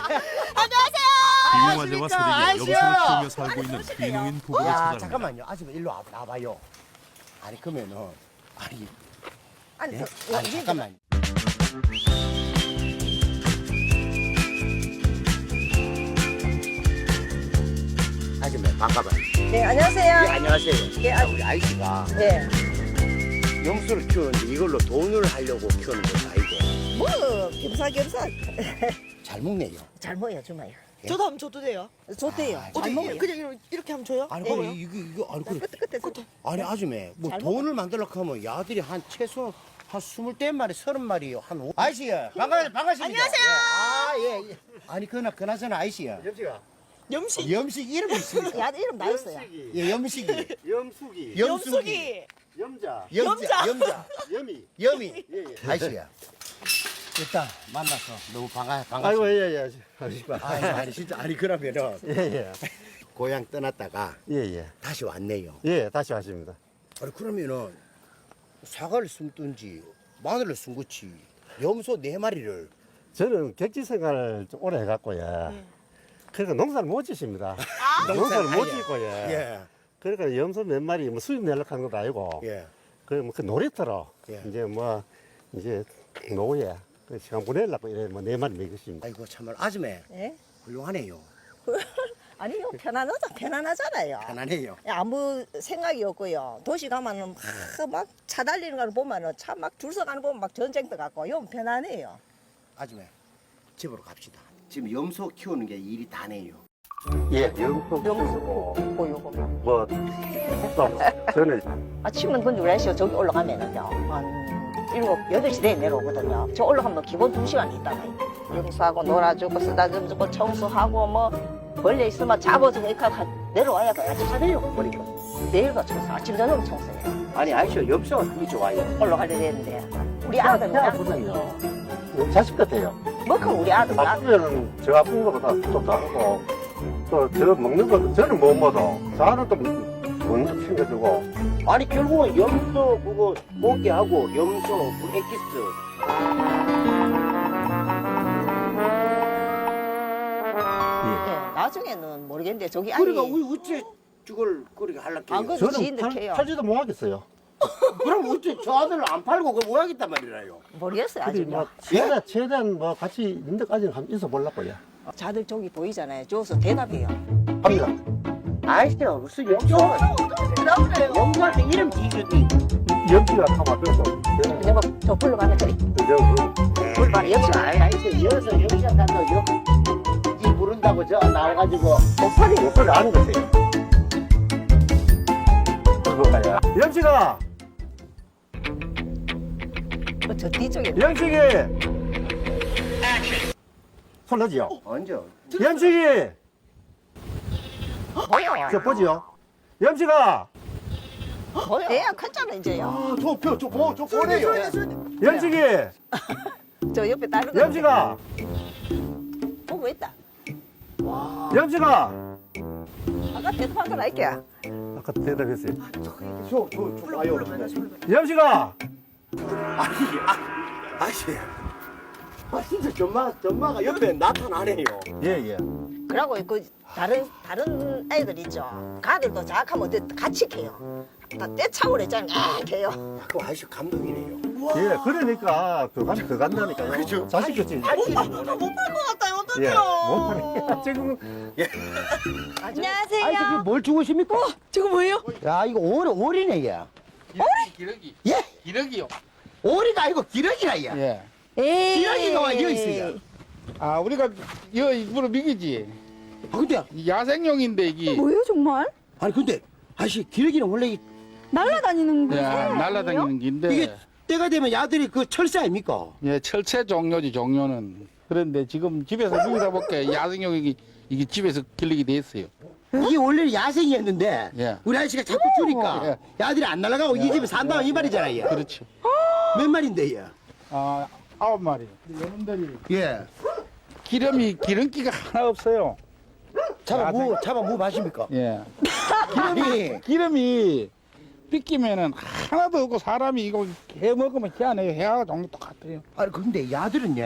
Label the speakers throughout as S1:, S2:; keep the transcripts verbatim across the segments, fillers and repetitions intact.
S1: 비용화재와 세대의 염소를 키우며 살고 있는 귀농인 부부가
S2: 야
S1: 찾아갑니다.
S2: 잠깐만요. 아줌마 일로 와, 나와봐요. 아니 그러면은 아니
S3: 아니,
S2: 네?
S3: 그,
S2: 아니 잠깐만. 아줌마 반가워요.
S3: 네, 안녕하세요.
S2: 예, 안녕하세요.
S3: 예, 아-
S2: 우리 아이씨가
S3: 네.
S2: 염소를 키우는데 이걸로 돈을 하려고 키우는 건 아니고
S3: 뭐, 겸사겸사.
S2: 잘 먹네요.
S3: 잘 먹어요, 주마요.
S4: 저도 하면 줘도 돼요?
S3: 좋대요.
S2: 아,
S3: 잘
S4: 어디
S3: 먹어요.
S4: 그냥 이렇게, 이렇게 하면 줘요?
S2: 아니
S3: 예.
S2: 그럼 이거 이거 아니 그
S3: 끝에, 끝에, 끝에.
S2: 아니 아줌마 뭐
S3: 잘
S2: 돈을 만들려고 하면 야들이 한 최소 한 스물댓 마리 서른 마리 한 오... 아이씨 반가 반갑습니다.
S4: 안녕하세요.
S2: 아예 예. 아니 그나 그나저나 아이씨야.
S5: 염치가
S4: 염식.
S2: 염식 이름이 있습니까?
S3: 야, 이름 나였어요.
S5: 염식이
S2: 예 염식이
S5: 염숙이
S2: 염숙이
S4: 염숙이.
S5: 염자
S2: 염자 염자
S5: 염이
S2: 염이
S5: 예예
S2: 아이씨야. 일단 만나서 너무 반가
S5: 아이고
S2: 반갑습니다.
S5: 예예 아시바
S2: 아니, 아니 진짜 아니 그러면은
S5: 예예
S2: 고향 떠났다가
S5: 예예
S2: 다시 왔네요.
S5: 예 다시 하십니다.
S2: 아니 그러면은 사과를 숨든지 마늘을 숨고치 염소 네 마리를
S5: 저는 객지 생활을 좀 오래 해갖고요. 그러니까 농사를 못 짓습니다. 농사를 못
S2: 아예.
S5: 짓고 예.
S2: 예.
S5: 그러니까 염소 몇 마리 뭐 수입 내려고 한 것도 아니고
S2: 예.
S5: 그뭐 그 놀이터로
S2: 예.
S5: 이제 뭐 이제 노예 그 시간 보내려고 이래 뭐 네 마리 먹였습니다.
S2: 아이고 참말 아줌마
S3: 예?
S2: 훌륭하네요.
S3: 아니요, 편안하자, 편안하잖아요.
S2: 편안해요.
S3: 예, 아무 생각이 없고요. 도시 가면은 막 차 달리는 걸 보면은 차 막 줄 서 가는 거 보면 막 전쟁터 같고, 요 편안해요.
S2: 아줌마 집으로 갑시다. 지금 염소 키우는 게 일이 다네요.
S5: 예, 염소
S3: 염소 고 요거.
S5: 뭐 또 저는
S3: 아침은 근데 우리 아저씨가 저기 올라가면은요, 한 일곱, 여덟 시 되에 내려오거든요. 저 올라가면 기본 두 시간 있다가 용수하고 놀아주고 쓰다듬 주고 청소하고 뭐 벌레 있으면 잡아주고 이렇게 하고 내려와야 그 아침 사들려고 버리고 내일도 청소, 아침 저녁 청소해요.
S2: 아니 아저씨가 염소가 되게 좋아요.
S3: 올라가야 되는데 우리 아들은
S5: 보세요. 자식 같아요.
S3: 뭐 그럼 우리 아들 나
S5: 아프면은 저 아픈 거보다 또 다르고 또 저 먹는 것도 저는 못 먹어. 저는 또 먹는 거 챙겨주고.
S2: 아니 결국은 염소 그거 먹게 하고 염소 그 엑기스
S3: 예, 나중에는 모르겠는데 저기 아니
S2: 그러니까 우리 어째 저걸 그렇게 하려고
S3: 안
S2: 해요?
S3: 그래도
S5: 저는
S3: 지인들
S5: 팔,
S3: 캐요.
S5: 팔지도 못하겠어요.
S2: 그럼 어째 저 아들을 안 팔고 그걸 뭐 하겠단 말이라요.
S3: 모르겠어요
S5: 근데
S3: 아직요.
S5: 뭐 최대한, 최대한 뭐 같이 있는 데까지는 한번 있어 보려고요.
S3: 자들 저기 보이잖아요. 저기서 대답해요.
S5: 합니다.
S2: 아저씨가 무슨 염소 염소한테 이름 지주기
S5: 염치가 타마 그래서
S3: 근데 뭐저 불러가면 그래.
S2: 불만 염소 아니 아저씨 여기서 염소 가서 염지 부른다고 저 나와가지고
S5: 목소리 목소리 아는 거세요. 그거가요. 염치가
S3: 저 뒤쪽에
S5: 염치기 손 넣지요.
S2: 언제
S5: 염치기
S3: 보여.
S5: 저 보지요. 염치가
S3: 보여. 애야 컸잖아 이제요.
S2: 저저저 뭐, 저 보내요.
S5: 염치기
S3: 저 옆에 다른 거
S5: 염치가
S3: 보고 있다.
S5: 염치가
S3: 아까 대답한 건 알게야.
S5: 아까 대답했어요.
S2: 저저저 와요.
S5: 염치가
S2: 아니 아 아저씨 아 진짜 전마 전마가 옆에 나타나네요.
S5: 예예.
S3: 그러고 그 다른 다른 애들 있죠. 가들도 자악하면 어때 같이 캐요. 다 떼창을 했잖아요. 아, 캐요.
S2: 그 아저씨 감독이네요.
S5: 예, 그러니까 더, 간, 더 간다니까요.
S2: 그죠.
S5: 자식 같지.
S4: 못팔 것 같아요.
S5: 예,
S4: 어떡해요?
S5: 못하네. 지금
S4: 안녕하세요.
S2: 아저씨 뭘 주우십니까?
S4: 저거 뭐예요?
S2: 야 이거 오리 오리네 얘.
S6: 기러기.
S2: 예?
S6: 기러기요.
S2: 오리가 아니고 기러기라 얘.
S6: 예.
S3: 에이.
S2: 기러기가 와 여기 있어요.
S6: 아, 우리가 여 일부러 미기지.
S2: 아 근데
S6: 야생용인데 이게
S7: 뭐예요 정말?
S2: 아니 근데 아저씨 기러기는 원래 이-
S7: 날아다니는 거
S6: 예,
S7: 아니에요?
S6: 날아다니는 긴데
S2: 이게 때가 되면 야들이 그 철새 아닙니까?
S6: 예, 철새 종류지 종류는. 그런데 지금 집에서 미기다 볼게 야생용이 이게 집에서 길르게 돼 있어요.
S2: 이게 원래는 야생이었는데
S6: 예.
S2: 우리 아저씨가 자꾸 주니까
S6: 예.
S2: 야들이 안 날아가고 이 집에 산다 이 말이잖아요. 얘.
S6: 그렇죠.
S2: 몇 마리인데 얘?
S6: 아, 아홉 마리. 여러분들이
S2: 예.
S6: 기름이 기름기가 하나 없어요.
S2: 잡아 뭐 잡아 뭐 마십니까?
S6: 예.
S2: 기름이
S6: 기름이 삐끼면은 하나도 없고 사람이 이거 해 먹으면 희한해요. 해하고 종류 똑같아요.
S2: 아니 근데 야들은 얘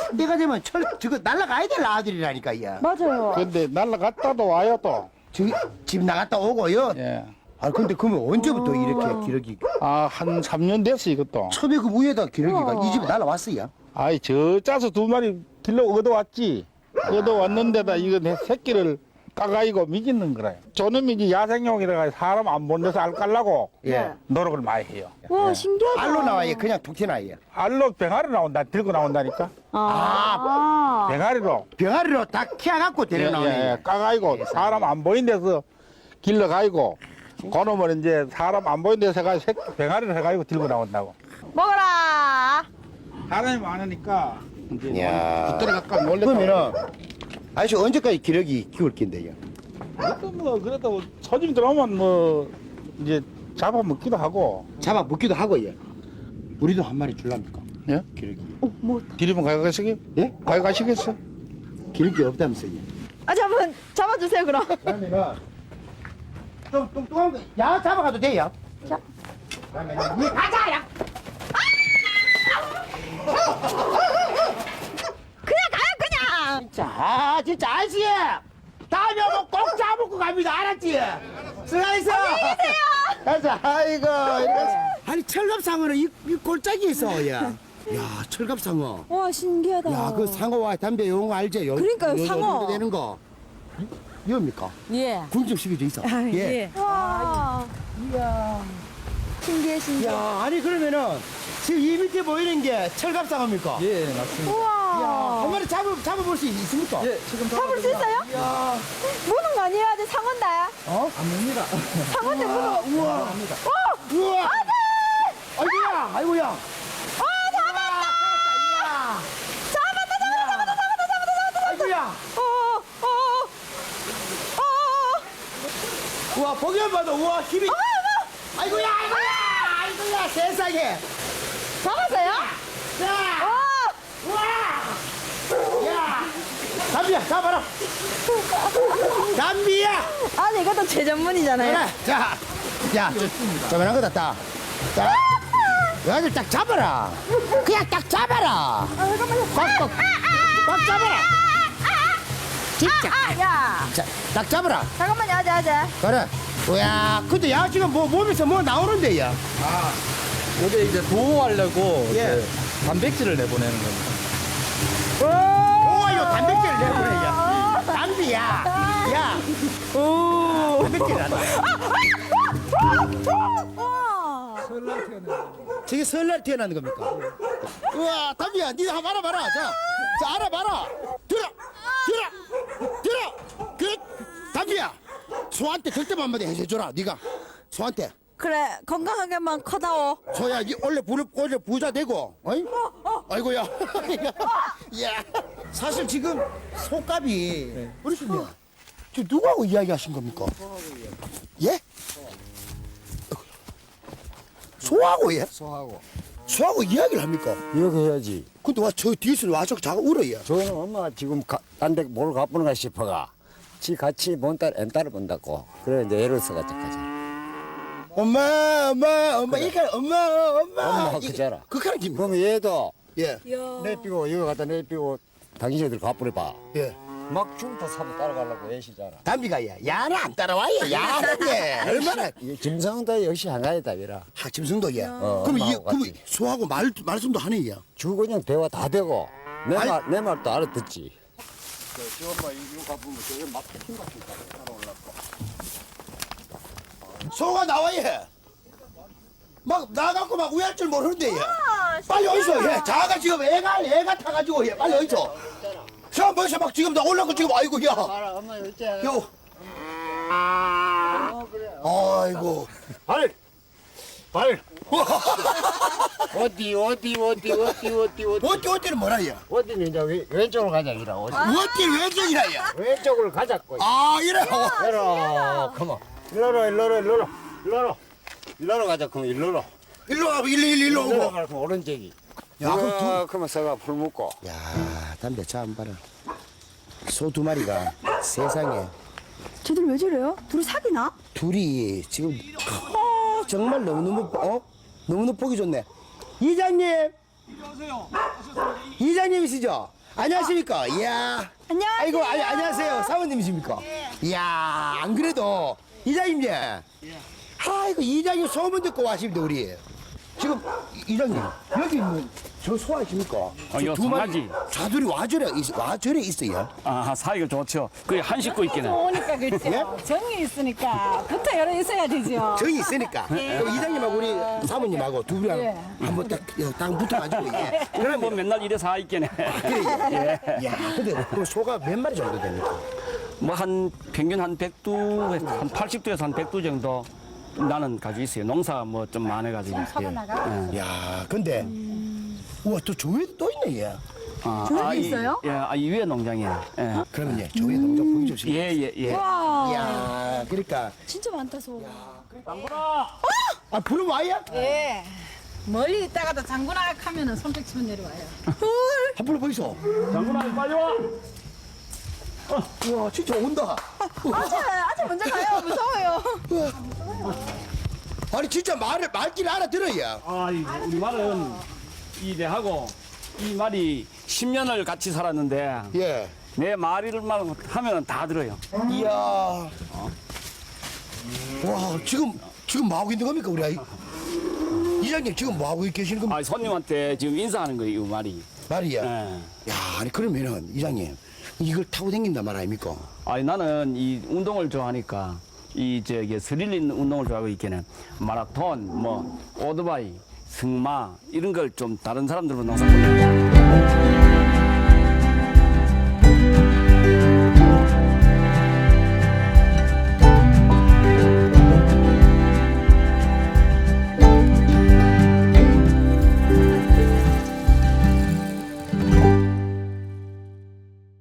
S2: 때가 되면 철 저거 날라가야 될 아들이라니까 야.
S7: 맞아요.
S6: 근데 날라갔다도 와요 또.
S2: 저기 집 나갔다 오고요.
S6: 예.
S2: 아 근데 그러면 언제부터 이렇게 기러기?
S6: 아, 한 삼 년 됐어, 이것도.
S2: 처음에 그 위에다 기러기가 이 집에 날라왔어요.
S6: 아이, 저 짜서 두 마리 길러 얻어왔지. 얻어왔는데다 이거 내 새끼를 까가이고 미기는 거라요. 저놈이 이제 야생용이라 사람 안 보는 데서 알 깔라고
S2: 예.
S6: 노력을 많이 해요.
S7: 와, 신기하다.
S2: 알로 나와요. 그냥 툭 튀나요.
S6: 알로 병아리 나온다, 들고 나온다니까.
S7: 아.
S6: 병아리로.
S2: 병아리로 다 키워갖고
S6: 예,
S2: 데려나오네.
S6: 예, 까가이고 사람 안 보이는 데서 길러가이고 그놈을 이제 사람 안 보이는 데서 해가지고 새끼 병아리를 해가지고 들고 나온다고.
S3: 먹어라.
S6: 사람이 많으니까 이제
S2: 야.
S6: 붙들어갈까 놀랬다.
S2: 그러면은 아저씨 언제까지 기러기 키울 낀데요?
S6: 그래도 뭐 그래도 손님 들어오면 뭐 이제 잡아먹기도 하고.
S2: 잡아 먹기도 하고요. 우리도 한 마리 줄랍니까?
S6: 예?
S2: 기러기.
S6: 기르면 가져가시게?
S2: 예?
S6: 가져가시겠어?
S2: 기러기 없다면서요.
S7: 아직 한번 잡아주세요, 그럼.
S2: 그러면은 좀 뚱뚱한 거, 야 잡아가도 돼요.
S7: 자.
S2: 그러면은 니 가자, 야.
S7: 그냥 가요, 그냥.
S2: 진짜, 아, 진짜 아저씨. 다음에 오면 꼭 잡아먹고 갑니다. 알았지? 수고하셨어. 안녕히 계세요. 가자, 아이고. 이렇게. 아니 철갑상어는 이, 이 골짜기에 있어, 야. 야, 철갑상어.
S7: 와, 신기하다.
S2: 야, 그 상어와 담배 요거 알지? 요,
S7: 그러니까요,
S2: 요
S7: 상어.
S2: 정도 되는 거. 이겁니까?
S7: 예.
S2: 군집식이 돼 있어.
S7: 아, 예. 와. 이야. 신기해, 신기해.
S2: 야, 아니 그러면은 지금 이 밑에 보이는 게 철갑상어입니까?
S8: 예, 맞습니다.
S7: 우와.
S2: 한 마리 잡아 잡아볼 수 있습니까?
S8: 예, 지금
S7: 잡을 수 있어요?
S2: 야,
S7: 무는 거 아니라 아직 상어인데.
S2: 어?
S8: 안 됩니다.
S7: 상어인데 무는 거.
S2: 우와, 우와. 아이고야, 아이고야.
S7: 아, 잡았다.
S2: 이야.
S7: 잡았다, 잡았다, 잡았다, 잡았다, 잡았다, 잡았다.
S2: 아이고야.
S7: 어, 어, 어, 어.
S2: 우와, 보기만 봐도 우와 힘이. 아이고야, 아이고야, 아이고야, 세상에.
S7: 잡았어요?
S2: 자,
S7: 어.
S2: 우와. 야, 담비야, 잡아라. 담비야.
S7: 아니, 이것도 제 전문이잖아요.
S2: 그래, 자, 야, 저만한 거다 딱. 자, 여기를 딱 잡아라. 그냥 딱 잡아라.
S7: 아, 잠깐만요.
S2: 꽉꽉, 꽉 잡아라. 진짜.
S7: 아, 야.
S2: 자, 딱 잡아라.
S7: 잠깐만요, 아재, 아재.
S2: 그래. 우야, 근데 야 지금 뭐 몸에서 뭐 나오는데 야.
S8: 이게 이제 보호하려고
S2: 예.
S8: 이제 단백질을 내보내는 겁니다.
S2: 오, 이거 단백질을 내보내 야. 담비야. 야. 오, 단백질 난다.
S7: 와.
S2: 저게 설날 태어나는 겁니까? 우와, 담비야, 니도 한번 알아봐라. 자, 자, 알아봐라. 들어, 들어, 들어. 그, 담비야, 소한테 절대 한마디 해줘라. 네가 소한테.
S7: 그래, 건강하게만 커다오.
S2: 소야, 이 원래 부, 원래 부자 되고, 어이? 아이고야. 야, 사실 지금 소값이 어르신님, 저 누구하고 이야기하신 겁니까? 예? 소하고 예?
S9: 소하고
S2: 소하고 이야기를 합니까?
S9: 이렇게 해야지.
S2: 근데 와 저 뒤에서 와서 자꾸 울어요.
S9: 저는 엄마가 지금 딴 데 뭘 가보는가 싶어가 지 같이 본딸 엠딸을 본다고 그래 이제 애를 써가지고 가자.
S2: 엄마, 엄마, 엄마, 이거 엄마, 엄마.
S9: 엄마가
S2: 이게-
S9: 그자라.
S2: 그까는 김.
S9: 그러면 얘도
S2: 예,
S9: 내삐고 이거 갖다 내삐고 당신들 가보내봐.
S2: 예.
S9: 막 중도 사고 따라가려고 애시잖아.
S2: 담비가 야, 야는 안 따라와요. 야는데 얼마나.
S9: 김성도 역시 한가위다 이라.
S2: 하, 짐승도 예.
S9: 어,
S2: 그럼 이,
S9: 엄마하고
S2: 그럼
S9: 같이.
S2: 소하고 말 말씀도 하네 야.
S9: 주 그냥 대화 다 되고 내
S2: 아이.
S9: 말 내 말도 알아듣지.
S2: 소가 나와 예. 막 나가고 막 우할 줄 모르는데 예. 빨리 어디서 예. 자가 지금 애가 애가 타가지고 예. 빨리 어디서. 저 벌써 막 지금 나 올라고 지금 아이고 야.
S9: 엄마 여기
S2: 요. 아이고.
S9: 발! 발! 어디 어디 어디 어디 어디 어디
S2: 어디 어디는 뭐라 야.
S9: 어디는 이제 왼- 왼쪽으로 가자 이라 어디
S2: 어디 왼쪽이라 야.
S9: 왼쪽으로 가자고
S2: 아 이래.
S9: 이리로 컴온 일로로 일로로 일로로 일로로 일로로 가자 그럼 일로로
S2: 일로 와 일로 일로 일로
S9: 일로로
S2: 오고.
S9: 가면 오른쪽이
S2: 야, 그럼 두-
S9: 그러면 서가 풀 묶고
S2: 야 담배 참 봐라. 소 두 마리가 세상에
S7: 쟤들 왜 저래요? 둘이 사귀나?
S2: 둘이 지금 어, 정말 너무너무 어? 너무너무 보기 좋네. 이장님. 이장님이시죠? 안녕하십니까. 이야.
S7: 안녕하세요.
S2: 아이고, 아니, 안녕하세요. 사모님이십니까? 이야, 안 그래도 이장님. 아이고, 이장님 소문 듣고 와십니다, 우리. 지금 이- 이장님, 여기 있는 저 소아십니까?
S10: 어, 이거
S2: 두 마리
S10: 송아지.
S2: 자들이 와저래, 있- 와저래 있어요.
S10: 아, 사이가 좋죠. 그게 한 식구 있기는.
S4: 오니까 그렇죠. 정이 있으니까 붙어 열어 있어야 되죠.
S2: 정이 있으니까. 그럼 이장님하고 우리 사모님하고 두 분이랑 한번 딱, 딱 붙어가지고, 예.
S10: 그럼 뭐 맨날 이래 사 있겠네.
S2: 그래, 예. 야, 근데 그 소가 몇 마리 정도 됩니까?
S10: 뭐 한 평균 한 백 두, 한 팔십 두에서 한 백 두 정도 나는 가지고 있어요. 농사 뭐 좀 많아가지고. 예.
S2: 야, 근데, 우와, 또 조회도 또 있네, 얘.
S10: 아,
S7: 저기
S10: 아, 이-
S7: 있어요?
S10: 예, 아, 이 위에 농장이에요. 예.
S2: 그러면 예, 조회 농장 보여주세요.
S10: 예, 예, 예.
S7: 와,
S2: 이야, 그러니까.
S7: 진짜 많다, 소.
S2: 아, 부르면 와야?
S4: 예. 멀리 있다가도 장군아 하면은 손뼉 치면 내려와요.
S2: 한 불러 보이소.
S10: 장군아, 빨리 와!
S2: 우와, 진짜 온다.
S7: 아재, 아재 먼저 가요. 무서워요.
S2: 아니, 진짜 말을, 말귀를 알아들어야.
S10: 아, 이- 우리 말은 이 내하고 이 말이 십 년을 같이 살았는데
S2: 예.
S10: 내 말을만 하면 다 들어요.
S2: 이야. 와, 지금, 지금 뭐 하고 있는 겁니까, 우리 아이? 이장님, 지금 뭐 하고 계시는 겁니까?
S10: 아, 손님한테 지금 인사하는 거예요, 이 말이.
S2: 말이야.
S10: 예.
S2: 야, 아니, 그러면은, 이장님, 이걸 타고 다닌단 말 아닙니까?
S10: 아니 나는 이 운동을 좋아하니까 이 저기 스릴 있는 운동을 좋아하고 있기는 마라톤, 뭐 오토바이, 승마 이런 걸 좀 다른 사람들보다 농사.